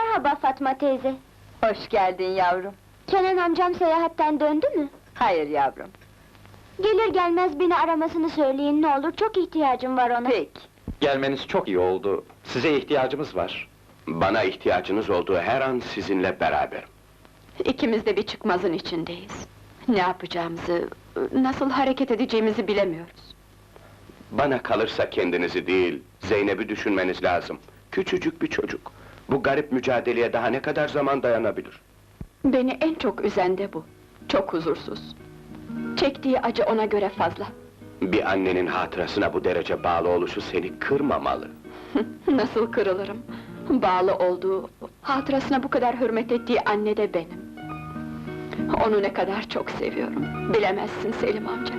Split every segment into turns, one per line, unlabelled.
Merhaba Fatma teyze.
Hoş geldin yavrum.
Kenan amcam seyahatten döndü mü?
Hayır yavrum.
Gelir gelmez beni aramasını söyleyin ne olur, çok ihtiyacım var ona.
Peki.
Gelmeniz çok iyi oldu. Size ihtiyacımız var.
Bana ihtiyacınız olduğu her an sizinle beraberim.
İkimiz de bir çıkmazın içindeyiz. Ne yapacağımızı, nasıl hareket edeceğimizi bilemiyoruz.
Bana kalırsa kendinizi değil, Zeynep'i düşünmeniz lazım. Küçücük bir çocuk. Bu garip mücadeleye daha ne kadar zaman dayanabilir?
Beni en çok üzen de bu. Çok huzursuz. Çektiği acı ona göre fazla.
Bir annenin hatırasına bu derece bağlı oluşu seni kırmamalı.
Nasıl kırılırım? Bağlı olduğu, hatırasına bu kadar hürmet ettiği anne de benim. Onu ne kadar çok seviyorum. Bilemezsin Selim amca.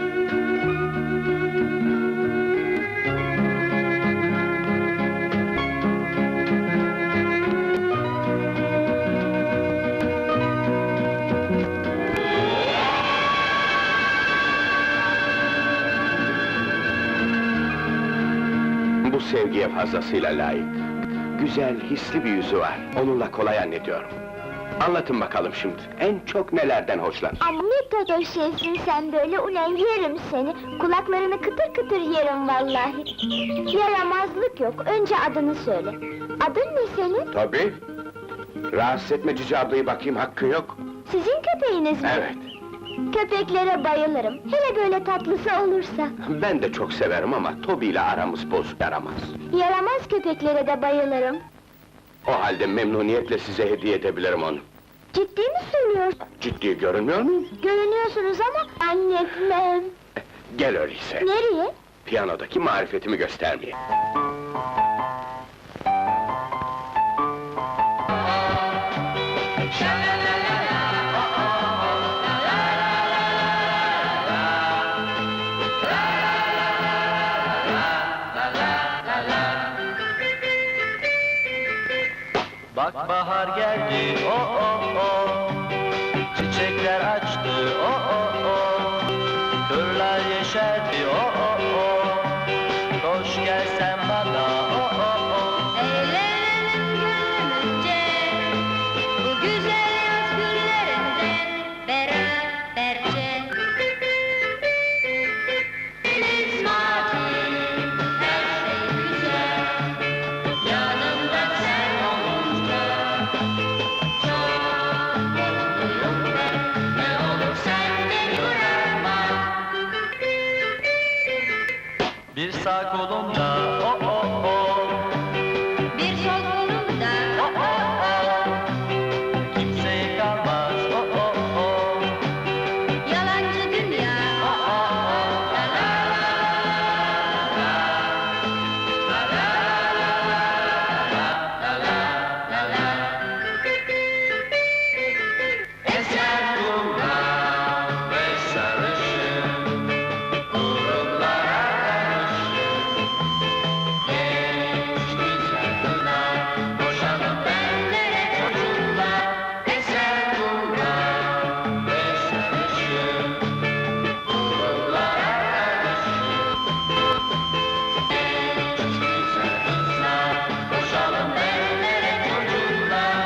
Bu sevgiye fazlasıyla layık. Güzel, hisli bir yüzü var. Onunla kolay annediyorum. Anlatın bakalım şimdi, en çok nelerden hoşlanır?
Ama ne kadar şeysin sen böyle, ulan yerim seni! Kulaklarını kıtır kıtır yerim vallahi! Yaramazlık yok, önce adını söyle. Adın ne senin?
Tabii. Rahatsız etme Cici ablayı, bakayım hakkın yok.
Sizin köpeğiniz mi?
Evet.
Köpeklere bayılırım, hele böyle tatlısı olursa.
Ben de çok severim ama Toby ile aramız bozuk, yaramaz.
Yaramaz köpeklere de bayılırım.
O halde memnuniyetle size hediye edebilirim onu.
Ciddi mi söylüyorsun?
Ciddi görünmüyor muyum?
Görünüyorsunuz ama annem.
Gel öyleyse.
Nereye?
Piyanodaki marifetimi göstermeye.
Bak bahar geldi, oh oh oh. Çiçekler açtı, oh oh oh. Kırlar yeşerdi, oh oh oh. Koş gel sen bana, oh oh oh.
Eğlenelim gönlümce, bu güzel yaz günlerinde beraberce. Deniz mavi, her şey güzel, yanımda sen olunca çok mutluyum ben. Ne olur sen beni bırakma.
Bir sağ kolumda, oh oh oh.
Bir sol kolumda,
Oh oh oh. Kimseye kalmaz, oh oh oh.
yalancı dünya.
Oh oh oh.
La la
Eser kumlar ve sarışın, kurumlara karışın. Genç güzel kızlar, boşanıp benlere çocuklar. Eser kumlar ve sarışın, kurumlara karışın. Genç güzel kızlar, boşanıp benlere çocuklar.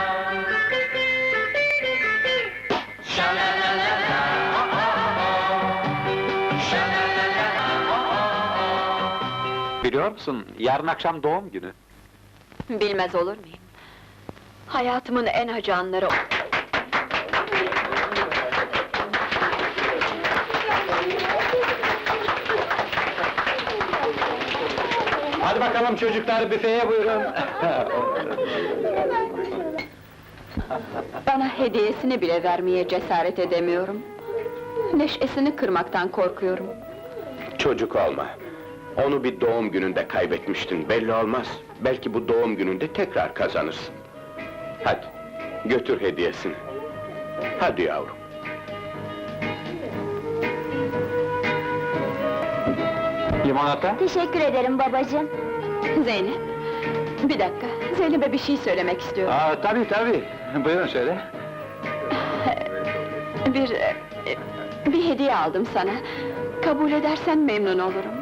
Şalalalala, oh oh oh. Şalalalala, oh oh oh.
Biliyor musun, yarın akşam doğum günü.
Bilmez olur muyum? Hayatımın en acı anları o.
Hadi bakalım çocuklar, büfeye buyurun.
Bana hediyesini bile vermeye cesaret edemiyorum. Neşesini kırmaktan korkuyorum.
Çocuk olma. Onu bir doğum gününde kaybetmiştin, belli olmaz. Belki bu doğum gününde tekrar kazanırsın. Hadi, götür hediyesini. Hadi yavrum.
Limonata?
Teşekkür ederim babacığım.
Zeynep, bir dakika, Zeynep'e bir şey söylemek istiyorum.
Tabii tabii, buyurun söyle.
Bir hediye aldım sana. Kabul edersen memnun olurum.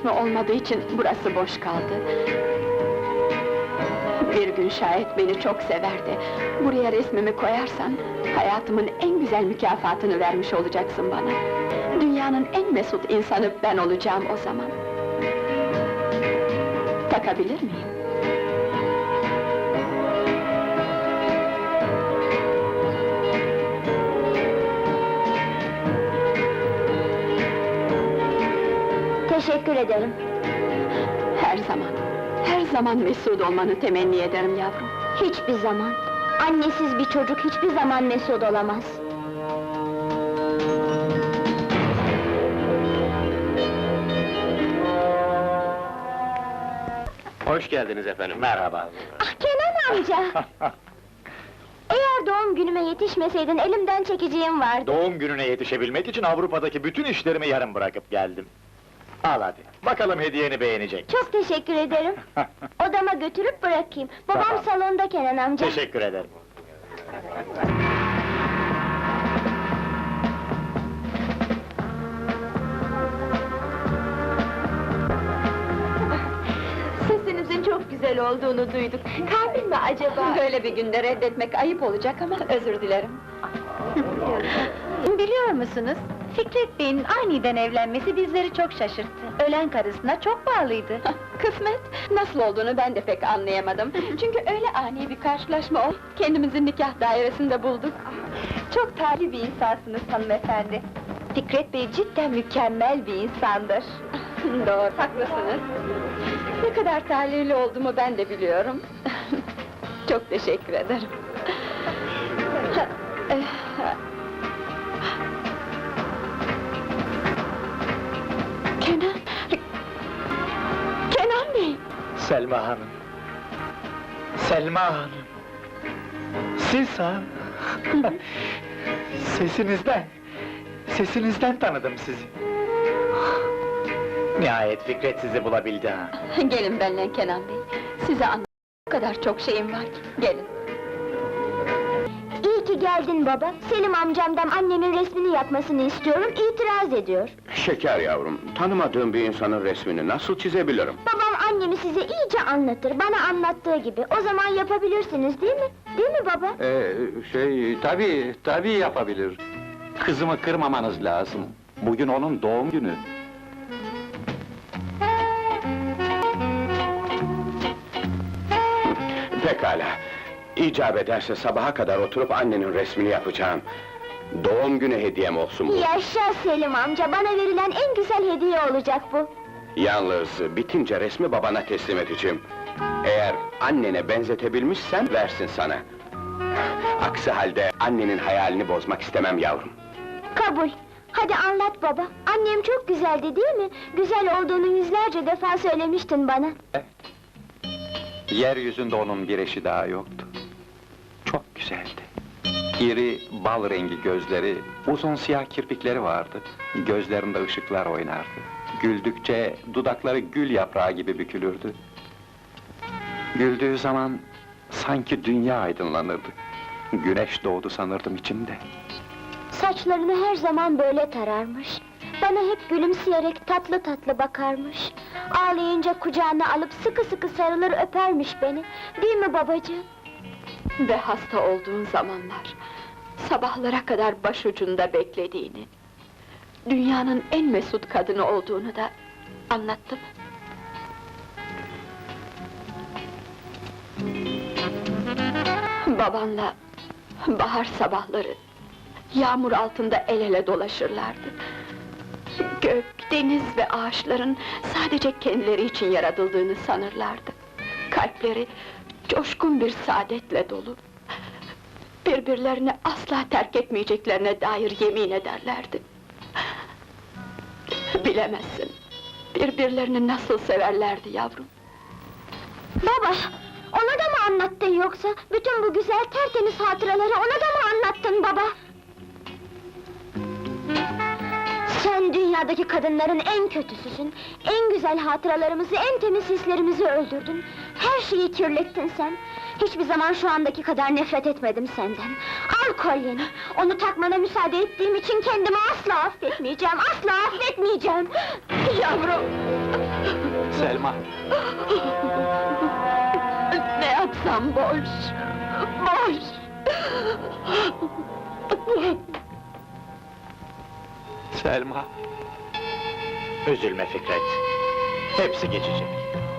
resmi olmadığı için burası boş kaldı. Bir gün şayet beni çok sever de buraya resmimi koyarsan, hayatımın en güzel mükafatını vermiş olacaksın bana. Dünyanın en mesut insanı ben olacağım o zaman. Takabilir miyim?
Teşekkür ederim.
Her zaman mesut olmanı temenni ederim yavrum.
Hiçbir zaman. Annesiz bir çocuk hiçbir zaman mesut olamaz.
Hoş geldiniz efendim. Merhaba.
Ah Kenan amca! Eğer doğum günüme yetişmeseydin elimden çekeceğim vardı.
Doğum gününe yetişebilmek için Avrupa'daki bütün işlerimi yarım bırakıp geldim. Al hadi, bakalım hediyeni beğenecek.
Çok teşekkür ederim. Odama götürüp bırakayım. Babam
Tamam.
salonda Kenan amca.
Teşekkür ederim.
Sesinizin çok güzel olduğunu duyduk. Kalbin mi acaba?
Böyle bir günde reddetmek ayıp olacak ama özür dilerim.
Biliyor musunuz? Fikret Bey'in aniden evlenmesi bizleri çok şaşırttı. Ölen karısına çok bağlıydı.
Kısmet, nasıl olduğunu ben de pek anlayamadım. Çünkü öyle ani bir karşılaşma oldu. Kendimizi nikah dairesinde bulduk.
Çok talih bir insansınız hanımefendi. Fikret Bey cidden mükemmel bir insandır.
Doğru, haklısınız. Ne kadar talihli olduğumu ben de biliyorum. Çok teşekkür ederim. Kenan! Kenan Bey!
Selma Hanım. Selma Hanım. Siz ha? Sesinizden tanıdım sizi. Nihayet Fikret sizi bulabildi ha.
Gelin benimle Kenan Bey. Size anlatacak o kadar çok şeyim var ki. Gelin.
İyi ki geldin baba. Selim amcamdan annemin resmini yapmasını istiyorum, itiraz ediyor.
Şeker yavrum, tanımadığım bir insanın resmini nasıl çizebilirim?
Babam annemi size iyice anlatır, bana anlattığı gibi. O zaman yapabilirsiniz, değil mi? Değil mi baba?
Tabii yapabilir. Kızımı kırmamanız lazım. Bugün onun doğum günü.
Pekala. İcap ederse sabaha kadar oturup annenin resmini yapacağım. Doğum günü hediyem olsun bu.
Yaşa Selim amca, bana verilen en güzel hediye olacak bu.
Yalnız bitince resmi babana teslim edeceğim. Eğer annene benzetebilmişsen versin sana. Aksi halde annenin hayalini bozmak istemem yavrum.
Kabul. Hadi anlat baba. Annem çok güzeldi değil mi? Güzel olduğunu yüzlerce defa söylemiştin bana.
Yeryüzünde onun bir eşi daha yoktu. Çok güzeldi. İri, bal rengi gözleri, uzun siyah kirpikleri vardı. Gözlerinde ışıklar oynardı. Güldükçe dudakları gül yaprağı gibi bükülürdü. Güldüğü zaman sanki dünya aydınlanırdı. Güneş doğdu sanırdım içimde.
Saçlarını her zaman böyle tararmış. Bana hep gülümseyerek tatlı tatlı bakarmış. Ağlayınca kucağına alıp sıkı sıkı sarılır öpermiş beni. Değil mi babacığım?
Ve hasta olduğun zamanlar, sabahlara kadar başucunda beklediğini, dünyanın en mesut kadını olduğunu da anlattım. Babanla bahar sabahları, yağmur altında el ele dolaşırlardı. Gök, deniz ve ağaçların sadece kendileri için yaratıldığını sanırlardı. Kalpleri coşkun bir saadetle dolu. Birbirlerini asla terk etmeyeceklerine dair yemin ederlerdi. Bilemezsin, birbirlerini nasıl severlerdi yavrum.
Baba, ona da mı anlattın yoksa? Bütün bu güzel tertemiz hatıraları ona da mı anlattın baba? Sen dünyadaki kadınların en kötüsüsün. En güzel hatıralarımızı, en temiz hislerimizi öldürdün. Her şeyi kirlettin sen. Hiçbir zaman şu andaki kadar nefret etmedim senden. Al kolyeni! Onu takmana müsaade ettiğim için kendimi asla affetmeyeceğim, asla affetmeyeceğim!
Yavrum!
Selma,
Ne yapsam boş! Boş!
Selma.
Üzülme Fikret. Hepsi geçecek.